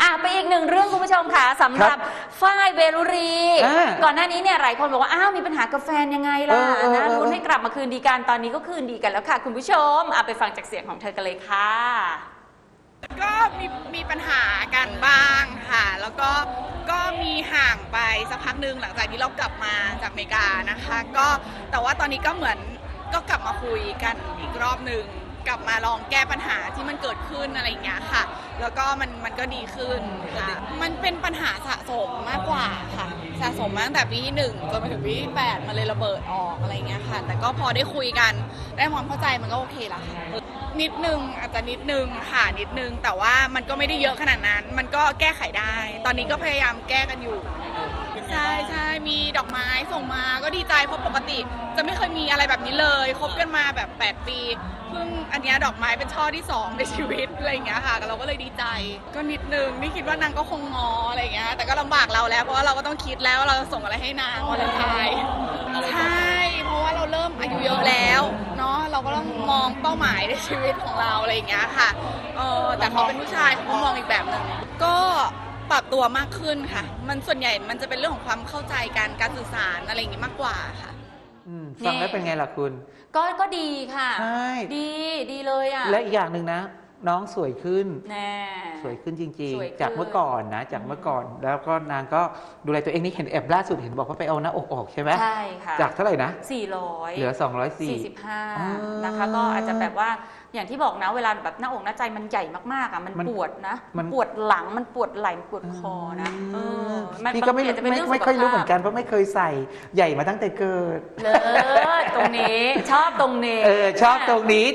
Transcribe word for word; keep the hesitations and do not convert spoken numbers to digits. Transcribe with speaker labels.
Speaker 1: อ่ะไปอีกหนึ่งเรื่องคุณผู้ชมค่ะสำหรับฝ้ายเวรุรี ก่อนหน้านี้เนี่ยหลายคนบอกว่าอ้าวมีปัญหากับแฟนยังไงล่ะนะลุ้นให้กลับมาคืนดีกันตอนนี้ก็คืนดีกันแล้วค่ะคุณผู้ชมอ่ะไปฟังจากเสียงของเธอกันเลยค่ะ
Speaker 2: ก็มีมีปัญหากันบ้างค่ะแล้วก็ก็มีห่างไปสักพักหนึ่งหลังจากที่เรากลับมาจากอเมริกานะคะก็แต่ว่าตอนนี้ก็เหมือนก็กลับมาคุยกันอีกรอบหนึ่งกลับมาลองแก้ปัญหาที่มันเกิดขึ้นอะไรอย่างเงี้ยค่ะแล้วก็มันมันก็ดีขึ้นค่ะมันเป็นปัญหาสะสมมากกว่าค่ะสะสมมาตั้งแต่ปีที่หนึ่งจนมาถึงปีที่แปดมันเลยระเบิดออกอะไรเงี้ยค่ะแต่ก็พอได้คุยกันได้ความเข้าใจมันก็โอเคละค่ะนิดนึงอาจจะนิดนึงค่ะนิดนึงแต่ว่ามันก็ไม่ได้เยอะขนาดนั้นมันก็แก้ไขได้ ตอนนี้ก็พยายามแก้กันอยู่ใช่ใช่มีดอกไม้ส่งมาก็ดีใจเพราะปกติจะไม่เคยมีอะไรแบบนี้เลยคบกันมาแบบแปดปีเพิ่งอันนี้ดอกไม้เป็นช่อที่สองในชีวิตอะไรอย่างเงี้ยค่ะเราก็เลยดีใจก็นิดนึงนี่คิดว่านางก็คงงออะไรอย่างเงี้ยแต่ก็ลำบากเราแล้วเพราะว่าเราก็ต้องคิดแล้วเราจะส่งอะไรให้นางวันไทยใช่เพราะว่าเราเริ่มอายุเยอะแล้วเนาะเราก็ต้องมองเป้าหมายในชีวิตของเราอะไรอย่างเงี้ยค่ะเออแต่เขาเป็นผู้ชายเขามองอีกแบบนึงก็ปรับตัวมากขึ้นค่ะมันส่วนใหญ่มันจะเป็นเรื่องของความเข้าใจกันการสื่อสารอะไรอย่างงี้มากกว่าค่ะ
Speaker 3: ฟังแล้วเป็นไงล่ะคุณ
Speaker 1: ก็ก็ดีค่ะ
Speaker 3: ใช่
Speaker 1: ดีดีเลยอ่ะ
Speaker 3: และอีกอย่างหนึ่งนะน้องสวยขึ้น
Speaker 1: แน่
Speaker 3: สวยขึ้นจริงๆจากเมื่อก่อนนะจากเมื่อก่อนแล้วก็นางก็ดูแลตัวเองนี่เห็นแอบล่าสุดเห็นบอกว่าไปเอาหน้าอกออกใช่ไหม
Speaker 1: ใช่ค่ะ
Speaker 3: จากเท่าไหร่นะ
Speaker 1: สี่ร้อย
Speaker 3: เหลือสองร้อยสี่
Speaker 1: สิบห้านะคะก็อาจจะแบบว่าอย่างที่บอกนะเวลาแบบหน้าอกหน้าใจมันใหญ่มากๆอ่ะมันปวดนะมันปวดหลังมันปวดไหล่มันปวดคอนะ
Speaker 3: พี่ก็ไม่ไม่ค่อยรู้เหมือนกันเพราะไม่เคยใส่ใหญ่มาตั้งแต่เกิด
Speaker 1: เลยตรงนี้ชอบตรงนี้
Speaker 3: เออชอบตรงนี้